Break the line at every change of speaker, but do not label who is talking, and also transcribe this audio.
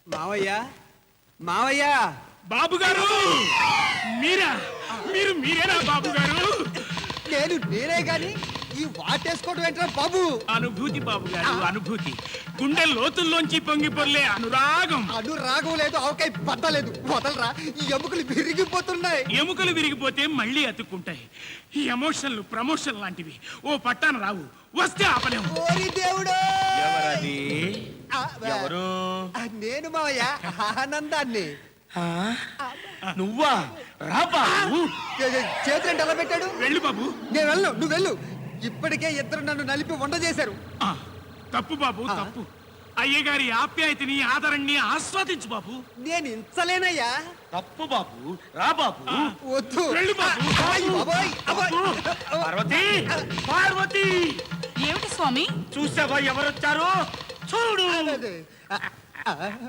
మావయ్య మావయ్య
బాబు గారు మీరా మీరేనా బాబు గారు?
నేనే గాని ఈ వాటేసుకోవడం ఏంట్రా బాబు?
అనుభూతి బాబు గారు, అనుభూతి. గుండె లోతుల్లోంచి పొంగి పొర్లే అనురాగం.
అనురాగం లేదు, ఆవకాయ బద్దలేదు. వదలరా, ఈ ఎముకలు విరిగిపోతున్నాయి.
ఎముకలు విరిగిపోతే మళ్ళీ అతుక్కుంటాయి. ఈ ఎమోషన్లు ప్రమోషన్ లాంటివి ఓ పట్టాన రావు, వస్తే ఆపలేము.
ఓరి దేవుడు!
ఎవరది? ఎవరు?
నేను మావయ్య, ఆనందాన్ని.
నువ్వా? రా బాబు.
చేతులు ఎలా పెట్టాడు?
వెళ్ళు బాబు.
నేను వెళ్ళు, నువ్వు వెళ్ళు. ఇప్పటికే ఇద్దరు నన్ను నలిపి వండ చేశారు.
తప్పు బాబు, తప్పు. అయ్యగారి ఆప్యాయతని ఆదరణని ఆస్వాదించు బాబు.
నేను ఇంచలేనయ్యా.
తప్పు బాబు, రా బాబు.
వద్దు.
వెళ్ళు బాబు.
బాబోయ్, అబ్బాయ్.
పార్వతి, పార్వతి,
ఏమిటి స్వామి?
చూసావా ఎవరొచ్చారు? చూడు.
అదే.